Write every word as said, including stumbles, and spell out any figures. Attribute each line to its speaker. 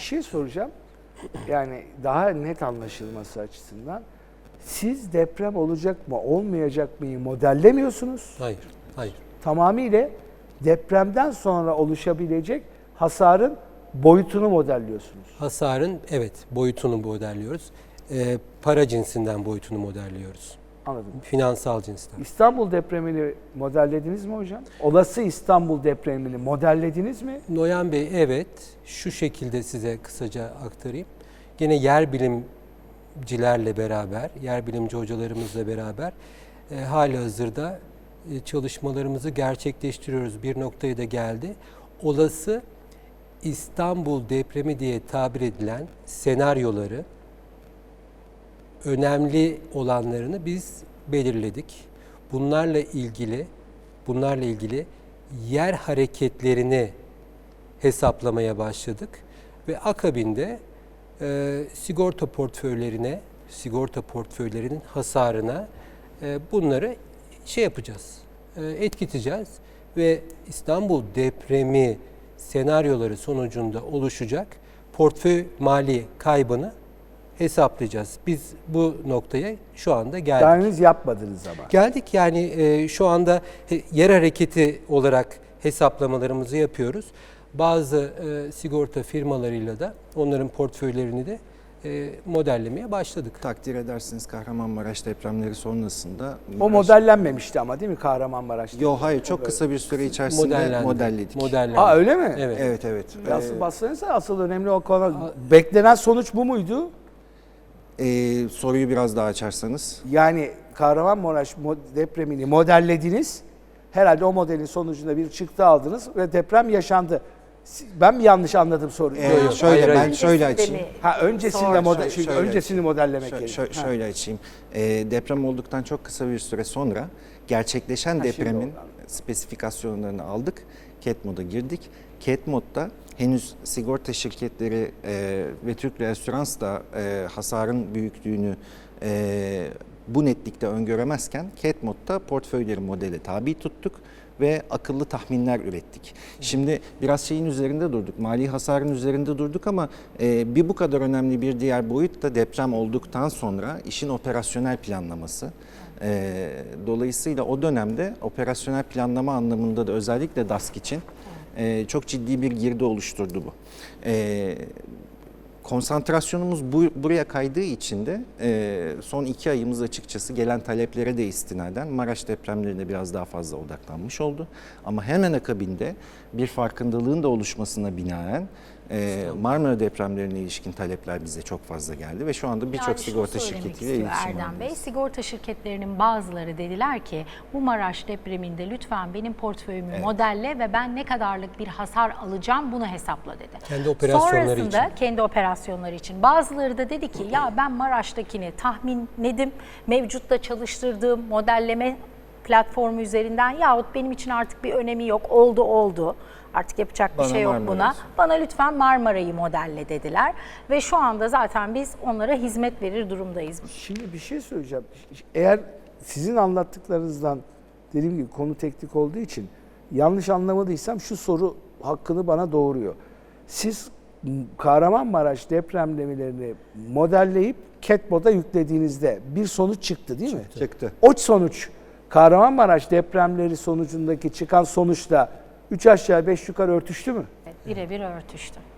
Speaker 1: şey soracağım. Yani daha net anlaşılması açısından. Siz deprem olacak mı, olmayacak mı modellemiyorsunuz.
Speaker 2: Hayır, hayır.
Speaker 1: Tamamıyla depremden sonra oluşabilecek hasarın boyutunu modelliyorsunuz.
Speaker 2: Hasarın evet boyutunu modelliyoruz. Ee, para cinsinden boyutunu modelliyoruz.
Speaker 1: Anladım.
Speaker 2: Finansal cinsten.
Speaker 1: İstanbul depremini modellediniz mi hocam? Olası İstanbul depremini modellediniz mi?
Speaker 2: Noyan Bey evet şu şekilde size kısaca aktarayım. Gene yer bilimcilerle beraber, yer bilimci hocalarımızla beraber e, halihazırda e, çalışmalarımızı gerçekleştiriyoruz. Bir noktaya da geldi. Olası İstanbul depremi diye tabir edilen senaryoları, önemli olanlarını biz belirledik. Bunlarla ilgili, bunlarla ilgili yer hareketlerini hesaplamaya başladık ve akabinde e, sigorta portföylerine, sigorta portföylerinin hasarına e, bunları şey yapacağız, e, etkileyeceğiz ve İstanbul depremi senaryoları sonucunda oluşacak portföy mali kaybını hesaplayacağız. Biz bu noktaya şu anda geldik.
Speaker 1: Daha henüz yapmadınız ama.
Speaker 2: Geldik yani e, şu anda yer hareketi olarak hesaplamalarımızı yapıyoruz. Bazı e, sigorta firmalarıyla da onların portföylerini de e, modellemeye başladık.
Speaker 3: Takdir edersiniz Kahramanmaraş depremleri sonrasında...
Speaker 1: O modellenmemişti ama değil mi Kahramanmaraş'ta?
Speaker 3: Yok hayır çok kısa bir süre içerisinde
Speaker 2: Modellendi.
Speaker 3: modelledik.
Speaker 2: Modellendi.
Speaker 1: Aa öyle mi?
Speaker 2: Evet.
Speaker 3: Evet evet.
Speaker 1: Asıl
Speaker 3: Ee,
Speaker 1: bassanıza asıl önemli o konu. Beklenen sonuç bu muydu?
Speaker 3: e, soruyu biraz daha açarsanız.
Speaker 1: Yani Kahramanmaraş mo- depremini modellediniz. Herhalde o modelin sonucunda bir çıktı aldınız ve deprem yaşandı. Si- Ben mi yanlış anladım soruyu?
Speaker 3: Ee,
Speaker 2: yok,
Speaker 3: şöyle
Speaker 2: hayır,
Speaker 3: ben
Speaker 2: hayır.
Speaker 3: şöyle
Speaker 4: Öncesinde
Speaker 3: açayım.
Speaker 4: mi?
Speaker 1: Ha öncesinde
Speaker 4: Sonra.
Speaker 1: model
Speaker 3: Şöyle-
Speaker 1: çünkü
Speaker 3: şöyle
Speaker 1: öncesini
Speaker 3: açayım.
Speaker 1: modellemek
Speaker 3: Şö-
Speaker 1: gerekiyor.
Speaker 3: şö-
Speaker 1: Ha.
Speaker 3: şöyle açayım. Ee, deprem olduktan çok kısa bir süre sonra gerçekleşen
Speaker 1: Ha, şimdi
Speaker 3: depremin
Speaker 1: oldu.
Speaker 3: spesifikasyonlarını aldık. Cat Mod'a girdik. Cat Mod'da henüz sigorta şirketleri e, ve Türk Reasürans da e, hasarın büyüklüğünü e, bu netlikte öngöremezken Cat Mod'da portföyleri modele tabi tuttuk ve akıllı tahminler ürettik. Şimdi biraz şeyin üzerinde durduk, mali hasarın üzerinde durduk ama e, bir bu kadar önemli bir diğer boyut da deprem olduktan sonra işin operasyonel planlaması. E, dolayısıyla o dönemde operasyonel planlama anlamında da özellikle D A S K için e, çok ciddi bir girdi oluşturdu bu. E, Konsantrasyonumuz bu, buraya kaydığı için de e, son iki ayımız açıkçası gelen taleplere de istinaden Maraş depremlerine biraz daha fazla odaklanmış oldu. Ama hemen akabinde bir farkındalığın da oluşmasına binaen e, Marmara depremlerine ilişkin talepler bize çok fazla geldi ve şu anda birçok
Speaker 4: Yani şunu
Speaker 3: sigorta
Speaker 4: söylemek
Speaker 3: şirketiyle
Speaker 4: istiyor
Speaker 3: iletişim
Speaker 4: Erdem Bey,
Speaker 3: halindeyiz.
Speaker 4: sigorta şirketlerinin bazıları dediler ki bu Maraş depreminde lütfen benim portföyümü
Speaker 3: Evet.
Speaker 4: modelle ve ben ne kadarlık bir hasar alacağım bunu hesapla dedi.
Speaker 2: Kendi operasyonları
Speaker 4: Sonrasında
Speaker 2: için.
Speaker 4: kendi operasyonları için. Bazıları da dedi ki ya ben Maraş'takini tahminledim, mevcutta çalıştırdığım modelleme platformu üzerinden yahut benim için artık bir önemi yok, oldu oldu. Artık yapacak bir
Speaker 3: Bana
Speaker 4: şey yok
Speaker 3: Marmara
Speaker 4: buna.
Speaker 3: olsun.
Speaker 4: Bana lütfen Marmara'yı modelle dediler. Ve şu anda zaten biz onlara hizmet verir durumdayız.
Speaker 1: Şimdi bir şey söyleyeceğim. Eğer sizin anlattıklarınızdan dediğim gibi konu teknik olduğu için yanlış anlamadıysam şu soru hakkını bana doğuruyor. Siz Kahramanmaraş depremlemelerini modelleyip Cat Mod'a yüklediğinizde bir sonuç çıktı değil mi?
Speaker 3: Çıktı.
Speaker 1: O sonuç Kahramanmaraş depremleri sonucundaki çıkan sonuçla üç aşağı beş yukarı örtüştü mü?
Speaker 4: Evet, birebir örtüştü.